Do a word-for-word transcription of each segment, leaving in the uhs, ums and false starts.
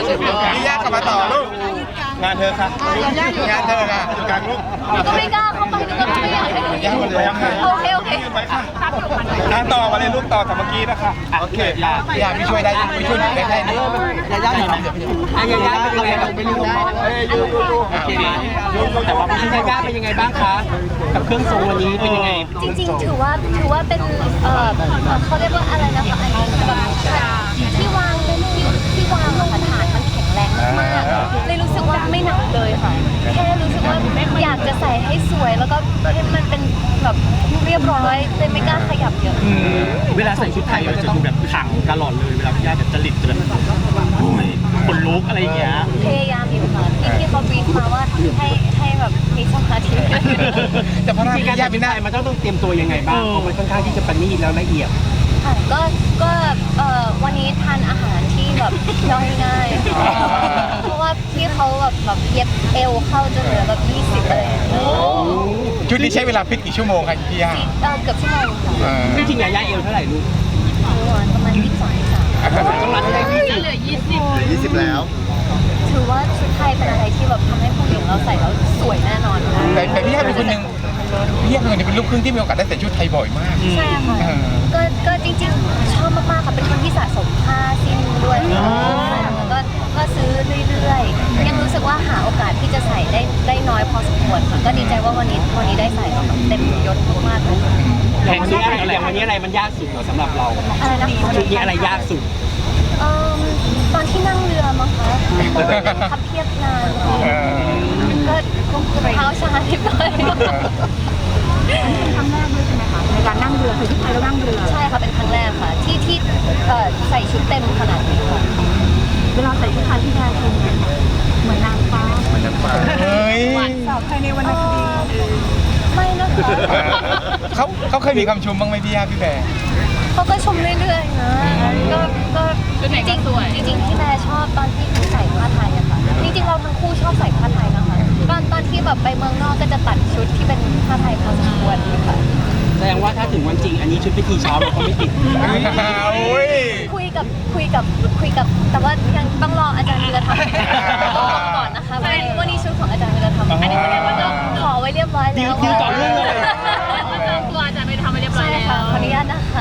พี่ย่ากลับมาต่อลูกงานเธอค่ะงานเธอค่ะอยู่กลางลูกก็ไม่กล้าเข้าไปก็ไม่อยากให้ดูย่าหมดเลยโอเคโอเคงานต่อมาเลยลูกต่อจากเมื่อกี้นะคะโอเคย่าย่าพี่ช่วยได้พี่ช่วยได้แค่นี้ย่าย่าหน่อยย่าย่าเป็นยังไงเราไม่รู้เอ้ยยูยูยูโอเคแต่ว่าพี่ย่าย่าเป็นยังไงบ้างคะกับเครื่องทรงวันนี้เป็นยังไงจริงๆถือว่าถือว่าเป็นเอ่อเขาเรียกว่าอะไรนะคะอันนี้แบบที่วางเป็นที่ที่วางของฐานมันแข็งแรงมากๆเลยรู้สึกว่าไม่หนักเลยค่ะแค่รู้สึกว่าอยากจะใส่ให้สวยแล้วก็ให้มันเป็นแบบเรียบร้อยเลยไม่กล้าขยับเยอะเวลาใส่ชุดไทยมันจะดูแบบขลังตลอดเลยเวลาพี่ย่าแบบจริตจะแบบโอ้ยคนลุกอะไรอย่างเงี้ยพยายามอยู่ค่ะที่ที่เขาบีบมาว่าให้ให้แบบมีสมาธิแต่พอพี่ย่าเป็นหน้ามันต้องต้องเตรียมตัวยังไงบ้างเพราะมันค่อนข้างที่จะประณีตแล้วละเอียดค่ะก็ก็เอ่อวันนี้ทานอาหารที่แบบย่อยง่ายเพราะว่าพี่เขาแบบแบบเย็บเอวเข้าจนเหลือแบบยี่สิบเลยชุดนี้ใช้เวลาฟิตกี่ชั่วโมงครับพี่ย่าเออเกือบชั่วโมงค่ะจริงๆย่าเอวเท่าไหร่ลูกประมาณยี่สิบสองยี่สิบสามต้องรัดให้ยี่สิบเหลือยี่สิบเหลือยี่สิบแล้วถือว่าชุดไทยเป็นอะไรที่แบบทำให้ผู้หญิงเราใส่แล้วสวยแน่นอนแต่แต่พี่ย่าเป็นคนหนึ่งพี่ย่าเป็นคนนึงเป็นลูกครึ่งที่มีโอกาสได้ใส่ชุดไทยบ่อยมากใช่ค่ะก็ก็จริงๆชอบมากๆค่ะเป็นคนที่สะสมผ้าสิ้นด้วยแล้วก็ก็ซื้อเรื่อยๆยังรู้สึกว่าหาโอกาสที่จะใส่ได้ได้น้อยพอสมควรค่ะก็ดีใจว่าวันนี้วันนี้ได้ใส่แล้วเต็มยศมากๆเลยแข่งชุดอะไรวันนี้อะไรมันยากสุดสำหรับเราอะไรนะชุดนี้อะไรยากสุดตอนที่นั่งเรือมั้งคะขับเทียบนานก็เท้าชาทิพย์เลยเป็นครั้งแรกด้วยใช่ไหมคะในการนั่งเรือคือที่ไทยแล้วนั่งเรือใช่ค่ะเป็นครั้งแรกค่ะที่ที่ใส่ชุดเต็มขนาดนี้ค่ะเวลาใส่ชุดไทยที่ได้คือเหมือนนางฟ้าเหมือนนางฟ้าเฮ้ยสาวไทยในวรรณคดีไม่นะคะเขาเขาเคยมีคำชมบ้างไหมพี่ย่าพี่แบร์เขาก็ชมเรื่อยๆนะก็ก็จริงจริงจริงที่แม่ชอบตอนที่เขาใส่ผ้าไทยอะค่ะจริงๆเราทั้งคู่ชอบใส่ผ้าไทยนะคะตอนตอนที่แบบไปเมืองนอกก็จะตัดชุดที่เป็นผ้าไทยพอสมควรค่ะแสดงว่าถ้าถึงวันจริงอันนี้ชุดพิธีเช้าเราก็ไม่ติดคุยกับคุยกับคุยกับแต่ว่ายังต้องรออาจารย์วิรธรรมก่อนนะคะวันนี้วันนี้ชุดของอาจารย์วิรธรรมอันนี้แสดงว่าจะขอไว้เรียบร้อยแล้วดิวต่อเรื่องเลยตัวอาจารย์วิรธรรมไปเรียบร้อยแล้วขออนุญาตนะคะ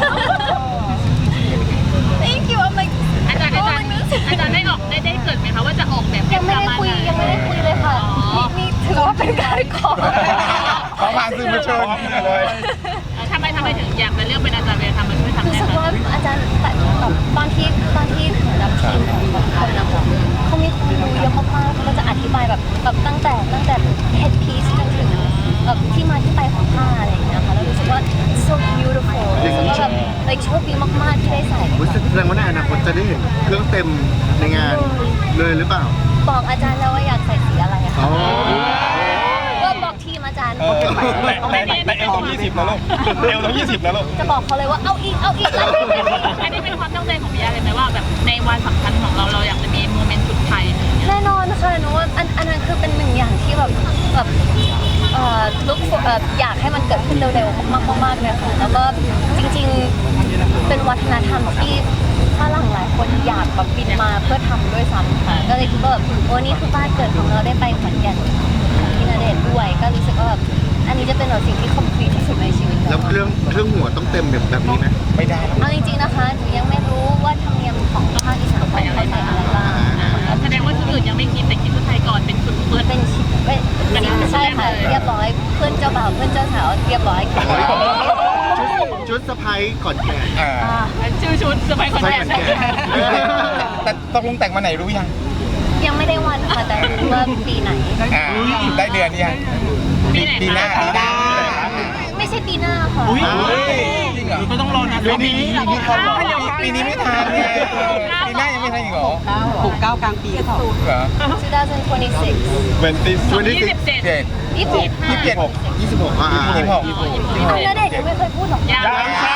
Thank you อาจารย์อาจารย์อาจารย์ได้ออกได้ได้เกิดไหมคะว่าจะออกแบบยังไม่ได้คุยยังไม่ได้คุยเลยค่ะนี่ถือว่าเป็นการขอขอผ่านสื่อมวลชนเลยทำไมทำไมถึงอยากมาเลือกเป็นอาจารย์เวรทำมาช่วยทำได้รู้สึกว่าอาจารย์แต่ตอนที่ตอนที่ถึงรับทีมของคนนะคะเขามีความรู้เยอะมากๆเขาก็จะอธิบายแบบแบบตั้งแต่ตั้งแต่ head piece จนถึงแบบที่มาที่ไปของผ้าอะไรอย่างเงี้ยค่ะแล้วรู้สึกว่า so beautiful รู้สึกว่าแบบเลยโชคดีมากๆที่ได้ใส่แสดงว่าในอนาคตจะได้เห็นเครื่องเต็มในงานเลยหรือเปล่าบอกอาจารย์แล้วว่าอยากใส่สีอะไรค่ะก็บอกทีมอาจารย์แต่แต่เอลต้องยี่สิบแล้วลูกเอลต้องยี่สิบแล้วลูกจะบอกเขาเลยว่าเอาอีกเอาอีกอันนี้เป็นความตั้งใจของพี่ยาเลยไหมว่าแบบในวันสำคัญของเราเราอยากจะมีโมเมนต์ชุดไทยแน่นอนค่ะหนูว่าอันอันนั้นคือเป็นหนึ่งอย่างที่แบบแบบเอ่อลุกอยากให้มันเกิดขึ้นเร็วๆมากๆเลยค่ะแล้วก็จริงๆเป็นวัฒนธรรมที่ฝรั่งหลายคนอยากแบบบินมาเพื่อทำด้วยซ้ำค่ะก็เลยคิดว่าแบบโอ้นี่คือบ้านเกิดของเราได้ไปขอนแก่นที่ณเดชน์ด้วยก็รู้สึกว่าแบบอันนี้จะเป็นแบบสิ่งที่คอมพลีทที่สุดในชีวิตแล้วเครื่องเครื่องหัวต้องเต็มแบบแบบนี้ไหมไม่ได้เอาจริงๆนะคะหนูยังไม่รู้ว่าธรรมเนียมของภาคอีสานเขาใส่อะไรบ้างแสดงว่าชุดอื่นยังไม่คิดแต่คิดชุดไทยก่อนเป็นชุดเพื่อนเป็นชิปใช่ค่ะเรียบร้อยเพื่อนเจ้าบ่าวเพื่อนเจ้าสาวเรียบร้อยชุดสะพายก่อนแก่ชื่อชุดสะพายก่อนแก่แต่ตกลงแต่งมาไหนรู้ยังยังไม่ได้วันค่ะแต่รู้ว่าปีไหนได้เดือนยังปีหน้าปีหน้าไม่ใช่ปีหน้าค่ะจริงเหรอก็ต้องรอนะปีนี้ปีนี้ไม่ทันไงปีหน้ายังไม่ทันอีกเหรอหกเก้ากลางปีเหรอสองพันยี่สิบหกเป็นปียี่สิบเจ็ดยี่สิบหกยี่สิบเจ็ดยี่สิบหกอ่ายี่สิบหกแล้วเด็กยังไม่เคยพูดหรอกยังค่ะ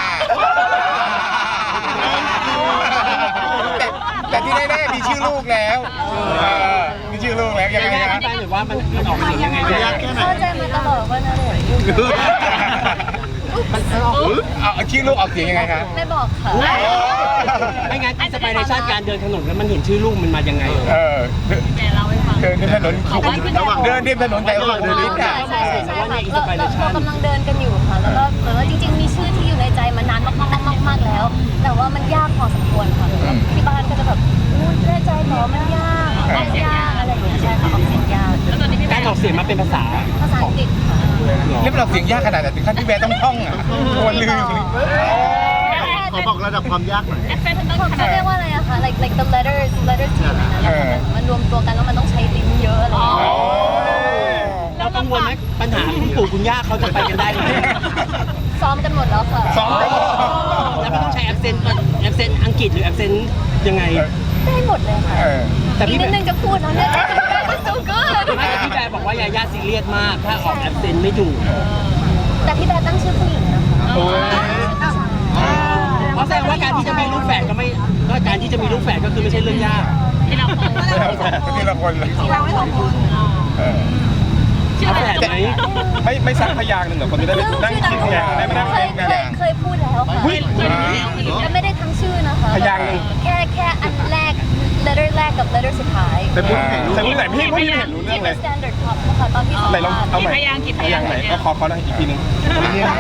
แต่ที่แน่ๆมีชื่อลูกแล้วมีชื่อลูกแล้วยังไงนะหรือว่ามันออกมายังไงเข้าใจมาตลอดว่านะเด็กเอาชื่อลูกออกเสียงยังไงคะไม่บอกค่ะไม่งั้นอินสปิเรชันการเดินถนนแล้วมันเห็นชื่อลูกมันมายังไงเออแม่เล่าให้ฟังเดินริมถนนบอกว่าคือเดินริมถนนแต่ว่าเดินริมใช่อ่ะใช่ใช่ใช่ค่ะเราเราเรากำลังเดินกันอยู่ค่ะ แล้วก็เหมือนว่าจริงๆ มีชื่อที่อยู่ในใจมานานมากๆมากๆมากแล้ว แต่ว่ามันยากพอสมควรค่ะแล้วที่บ้านก็จะแบบอู้แน่ใจเหรอมันยากมันยากอะไรอย่างเงี้ยใช่ค่ะออกเสียงยากแล้วตอนนี้พี่แม่การออกเสียงมาเป็นภาษาภาษาอังกฤษค่ะนี่มันออกเสียงยากขนาดไหนถึงขั้นที่แบร์ต้องท่องอ่ะโอนลืมขอบอกระดับความยากหน่อยแอปเปิลต้องขนาเขาดเรียกว่าอะไรอะคะ like like the letters letters ที่อยู่ในนั้นนะคะมันมันรวมตัวกันแล้วมันต้องใช้ลิ้นเยอะอะไรอย่างเงี้ยเรากังวลไหมปัญหาคุณปู่คุณย่าเขาจะไปกันได้ไหมซ้อมกันหมดแล้วค่ะซ้อมกันหมดแล้วไม่ต้องใช้แอปเซนต์แอปเซนต์อังกฤษหรือแอปเซนต์ยังไงได้หมดเลยค่ะเออแต่อีพี่กนิดนึงจะพูดแล้วเนี่ย so good ไม่แต่พี่แบร์บอกว่ายาย่าซีเรียสมากถ้าออกแอปเซนต์ไม่ถูกแต่พี่แบร์ตั้งชื่อผู้หญิงนะคะโอ้ยเพราะแสดงว่าการที่จะมีลูกแฝดก็ไม่ก็การที่จะมีลูกแฝดก็คือไม่ใช่เรื่องยากที่เราคงทีละคนเลยเราไม่สองคนเออเอาแฝดไหมไม่ไม่สักพยางหนึ่งเหรอคนจะได้นั่งคิดเนี่ยได้ไม่นั่งเคเล่ยนเคกันยเคยพูดแล้วค่ะหุ้ยแต่ไม่ได้ทั้งชื่อนะคะพยางค์หนึ่งแค่แค่อันแรก letter แรกกับ letter สุดท้ายแต่พูดไหนรู้แต่พูดไหนพี่พี่เห็นรู้เรื่อที่งเลเป็นย standard pop นะคะตอนที่สัมไหนลองภาษณ์เอาใหม่พยางค์กี่พยางค์ไหนก็ขอขอหน่อยอีกทีนึงทำยังไง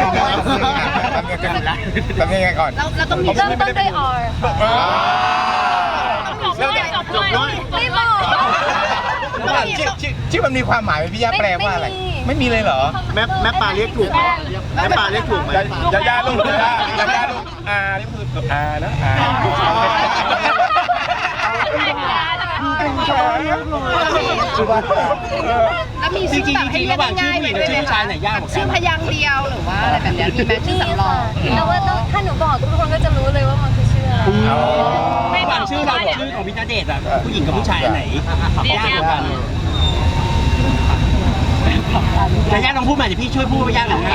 ทำยังไงก่อนเราต้องมีเริ่มต้นด้วย R ค่ะจบด้วยจบด้วยไม่บอกชื่อชื่อชื่อมันมีความหมายไหมพี่ย่าแปลว่าอะไร ไม่มีเลยเหรอแม่แม่ปลาเรียกถูกไหมแม่ปลาเรียกถูกไหมยาย่าลูกยาย่ายาย่าลูกอานี่คือตัวอานะอาแล้วมีจชื่ริอง แบบๆจให้ริงๆเรียระกหว่างชื่ง่าอยๆผู้หญิงกับไปด้วยชื่อไหมผู้ชายคะไหนยากกว่ากัชื่อน พยางค์เดียวหรือว่าอะไรแบบเนี้ยมีไหมชื่อสำรองแต่ว่าต้องถ้าหนูบอกทุกคนก็จะรู้เลยว่ามันคือชื่ออะไรระหว่างชื่อเรากับชื่อของพี่ณเดชน์อะผู้หญิงกับผู้ชายอันไหนยากกว่ากันยาย่าลองพูดใหม่เดี๋ยวพี่ช่วยพูดว่ายากหรือง่าย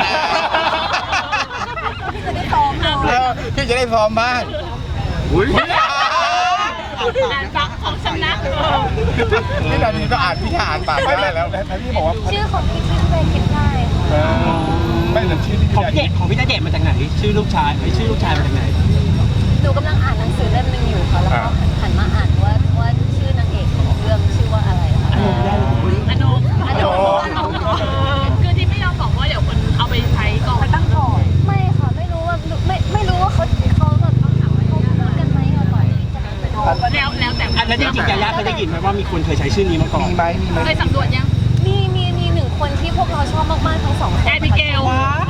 พี่จะได้พร้อมบ้างอุ้ยอ่านฟังของชนะนี่ตอนนี้ก็อ่านพี่อ่านปากได้แล้วแล้วพี่บอกว่าชื่อของพี่ที่เคยคิดได้ค่ะไม่แต่ชื่อที่ของพี่เดชของพี่ณเดชน์มาจากไหนชื่อลูกชายไอ้ชื่อลูกชายมาจากไหนหนูกำลังอ่านหนังสือเล่มหนึงอยู่ค่ะแล้วก็หันมาอ่านว่าว่าชื่อนางเอกของเรื่องชื่อว่าอะไรค่ะอนุอนุคือที่ไม่ยอมบอกว่าเดี๋ยวคนเอาไปใช้ก่อนตั้งก่อนไม่ค่ะไม่รู้ว่าไม่ไม่รู้ว่าเขาเขาแบบเขาพูดกันไหมอะก่อนที่จะไปดูแล้วแล้วแต่อันนั้นจริงๆยาย่าเคยได้ยินไหมว่ามีคนเคยใช้ชื่อนี้มาก่อนมีไหมมีไหมเคยสำรวจยังมีมีมีหนึ่งคนที่พวกเราชอบมากๆทั้งสองคนแอบิเกล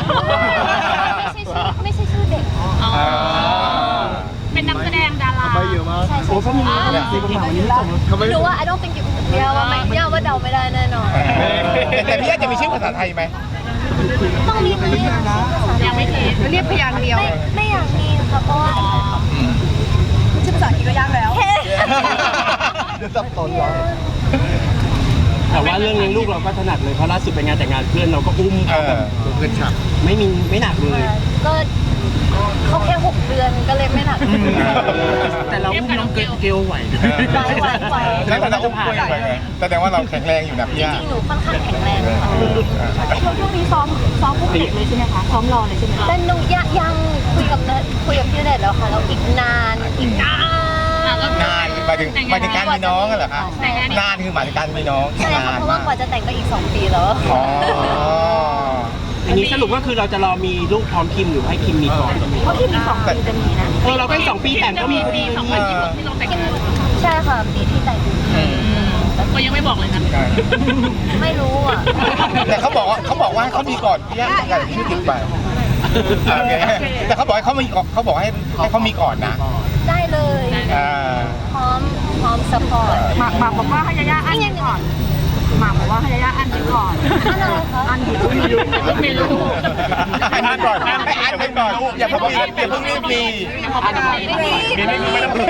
ไม่ใช่ชื่อไม่ใช่ชื่อเด็กอ๋อเป็นนักแสดงดาราใช่ใช่โอ้เขามีในกระเป๋านี้ส่งไม่รู้ว่า I don't think you เดาว่าไม่เดาว่าเดาไม่ได้แน่นอนแต่พี่ย่าจะมีชื่อภาษาไทยไหมต้องมีไหมอะยังไม่คิดเรียกพยางค์เดียวไม่ไม่อยากมีค่ะเพราะว่าชื่อภาษาอังกฤษก็ยากแล้วเดี๋ยวสับสนเหรอแต่ว่าเรื่องเลี้ยงลูกเราก็ถนัดเลยเพราะล่าสุดไปงานแต่งงานเพื่อนเราก็อุ้มเอเขาแบอบ เพื่อนฉับไม่มีไม่หนักเลยก็เขาแค่หกเดือนก็เลยไม่หนักแต่เราอุ้มน้องเกลไหวไหวไหวไหวแล้วแต่เราอุ้มกล้วยไปไงแสดงว่าเราแข็งแรงอยู่นะพี่จย่าริงๆหนูค่อนข้างแข็งแรงค่ะช่วงนี้ซ้อมซ้อมพวกเด็กเลยใช่ไหมคะซ้อมรอเลยใช่ไหมคะแต่หนูยังยังคุยกับเนคุยกับพี่ณเดชน์แล้วค่ะแล้วอีกนานอีกนานนานหมายถึงหมายถึงการมีน้องเหรอคะนานคือหมายถึงการมีน้องใช่ค่ะนานเพราะว่ากว่าจะแต่งก็อีกสองปีแล้วอ๋ออย่างนี้สรุปก็คือเราจะรอมีลูกพร้อมคิมหรือให้คิมมีก่อนเพราะที่มีสองปีจะมีนะเออเราก็อีกสองปีแต่งก็มีพอดีสองพันยี่สิบที่เราแต่งงานใช่ค่ะปีที่แต่งก็ยังไม่บอกเลยนะไม่รู้อ่ะแต่เขาบอกว่าเขาบอกว่าให้เขามีก่อนพี่ย่าแต่ชื่อติดไปโอเคแต่เขาบอกให้เขามีเขาบอกให้ให้เขามีก่อนนะได้เลยอ่าพร้อมพร้อมสปอร์ตหมากหมากบอกว่าให้ยาย่าอันนี้ก่อนหมากบอกว่าให้ยาย่าอันนี้ก่อนอันอะไรคะอันนี้ไม่รู้ไม่รู้อันนี้ก่อนให้อันไปก่อนอย่าเพิ่งมีอย่าเพิ่งรีบมีไม่มีมีไม่ต้องมี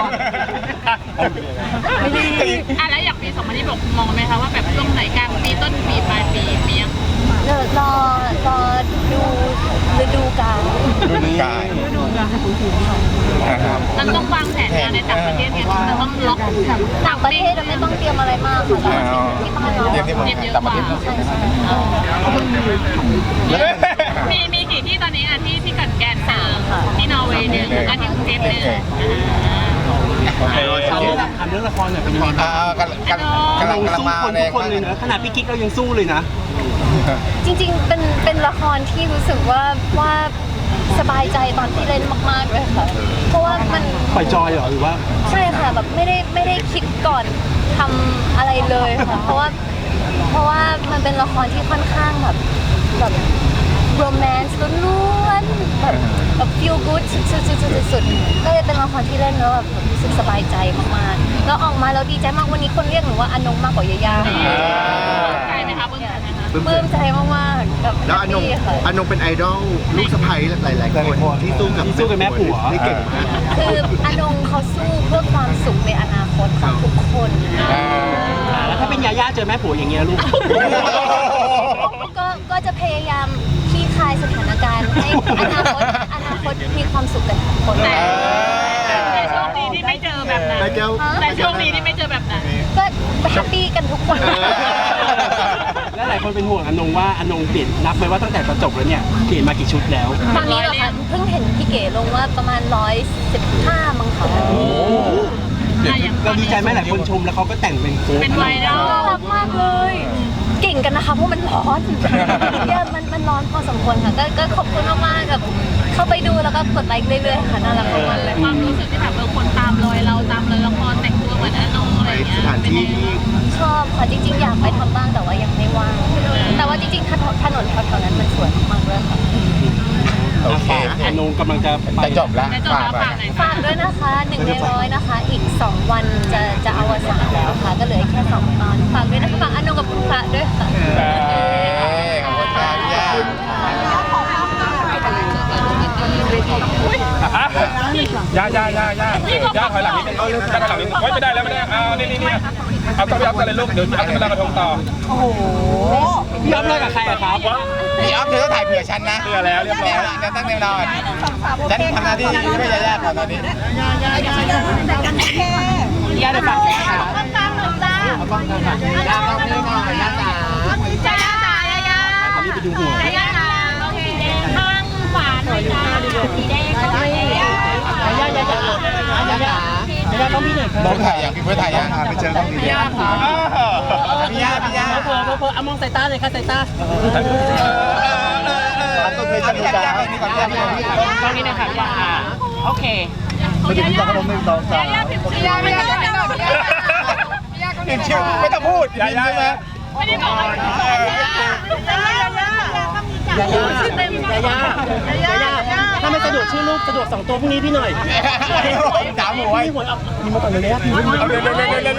อ่ะแล้วอย่างปีสองพันยี่สิบหกมองไหมคะว่าแบบช่วงไหนกลางปีต้นปีปลายปีมียังเดี๋ยวรอรอดูฤดูกาลรุ่นกายมันต้องวางแผนงานในต่างประเทศไงมันต้องล็อกต่างประเทศเราไม่ต้องเตรียมอะไรมากค่ะเราที่บ้านเราเรียนที่เมืองเตรียมเยอะต่างกประว่าเทศใช่ใช่มีมีกี่ที่ตอนนี้อ่ะที่ที่กัดแกนหนึ่งที่นอร์เวย์หนึ่งอันที่กรุงเทพหนึ่งโอเคถามเรื่องถามเรื่องละครหน่อยเป็นยังไงอ่ากำลังกำลังกำลังกำลังสู้มาคนแรทุงกคนเลยนะขนาดพี่กิ๊กเรายังสู้เลยนะจริงๆ เป็นเป็นละครที่รู้สึกว่าว่าสบายใจตอนที่เล่นมากๆเลยค่ะ เพราะว่ามันปล่อยจอยเหรอหรือว่าใช่ค่ะแบบไม่ได้ไม่ได้คิดก่อนทำอะไรเลยค่ะ เพราะว่าเพราะว่ามันเป็นละครที่ค่อนข้างแบบแบบโรแมนต์ล้วนๆแบบแบบ feel good สุดๆๆๆก็เลยเป็นละครที่เล่นแล้วแบบรู้สึกสบายใจมากๆแล้วออกมาแล้วดีใจมากวันนี้คนเรียกหนูว่าอนงมากกว่ายาย่าใจไหมคะเบื้องต้นนะคะปลื้มใจมากๆกับแล้วอนงแฮปปี้ค่ะอนงเป็นไอดอลลูกสะใภ้หลายๆคนที่สู้กับที่สู้กับแม่ผัวที่เก่งมากคืออนงเขาสู้เพื่อความสุขในอนาคตของทุกคนนะอ่าแล้วถ้าเป็นยาย่าเจอแม่ผัวอย่างเงี้ยลูกก็ก็จะพยายามคลี่คลายสถานการณ์ให้อนาคตอนาคตมีความสุขกันทุกคนแต่แต่โชคดีที่ไม่เจอแบบนั้นนายแก้วแต่โชคดีที่ไม่เจอแบบนั้นก็แฮปปี้กันทุกคนแล้วหลายคนเป็นห่วงอนงว่าอนงเปลี่ยนนับไปว่าตั้งแต่ตอนจบแล้วเนี่ยเปลี่ยนมากี่ชุดแล้วตอนนี้เหรอคะเพิ่งเห็นพี่เก๋ลงว่าประมาณร้อยสิบห้ามั้งคะเราดีใจไหมหลายคนชมแล้วเขาก็แต่งเป็นโค้กเป็นไวรัลน่ารักมากเลย เก่งกันนะคะเพราะมันร้อนเนี่ยมันมันร้อนพอสมควรค่ะก็ก็ขอบคุณมากๆกับเข้าไปดูแล้วก็กดไลค์เรื่อยๆค่ะน่ารักมากๆเลยความรู้สึกที่แบบเออคนตามรอยเราตามรอยละครแต่งตัวเหมือนอนงอะไรอย่างเงี้ยสถานที่ที่ชอบค่ะจริงๆอยากไปทำบ้างแต่ว่ายังไม่ว่างแต่ว่าจริงๆถนนถนนแถวๆนั้นมันสวยมากๆเลยค่ะโอเคอนงกำลังจะไปจะจบแล้วแต่จบฝากแล้วไปฝากหน่อยฝากด้วยนะคะหนึ่งในร้อยนะคะ อีกสองวันจะจะอวสานแล้วค่ะ ก็เหลือแค่สองตอนฝากด้วยนะคะฝากอนงกับคุณพระด้วยค่ะขอบคุณครับพี่ย่าย่าย่าย่าย่าย่าถอยหลังนิดนึงย่าถอยหลังนิดนึงโอ๊ยไม่ได้แล้วไม่ได้เอานี่นี่นี่เอาต้องไปอัพกันเลยลูกเดี๋ยวอัพกันแล้วกระทงต่อพี่อ๊อฟเลิกกับใครอะครับพี่อัพเธอต้องถ่ายเผื่อฉันนะเผื่อแล้วเรียบร้อยแล้วตั้งแนวนอนฉันทำหน้าที่ไม่ยากๆค่ะตอนนี้ย่าได้ฝากไหมคะย่าเข้าไม่นอนย่าจ๋าจ้าจ้าย่าย่าอันนี้ไปดูหัวย่าย่าโอเคข้างขวาหน่อยจ้าสีแดงก็ไม่ย่าย่าย่าย่าย่าย่าย่าย่าต้องพี่หน่อยครับน้องถ่ายยังพี่เพื่อถ่ายยังไปเจอต้องดีย่าค่ะพี่ย่าพี่ย่าเพอเพอเพอเอามองสายตาเลยค่ะสายตาต้องเคยจะดูจ้านี่ก่อนย่าพี่ย่าตรงนี้นะคะย่าโอเคไม่ถึงจะขนมหนึ่งสองสามย่าพิมพ์ชื่อย่าไม่ได้ไม่ได้เห็นชื่อไม่ต้องพูดย่าย่าไหมไม่ได้บอกว่าย่าย่าย่าย่าย่าย่าย่าย่าย่าถ้าไม่สะดวกชื่อลูกสะดวกสองตัวพรุ่งนี้พี่หน่อยสามหัวพี่หวยเอามีมาก่อนเลยนะพี่เอาเร็วเร็วเร็วเร็ว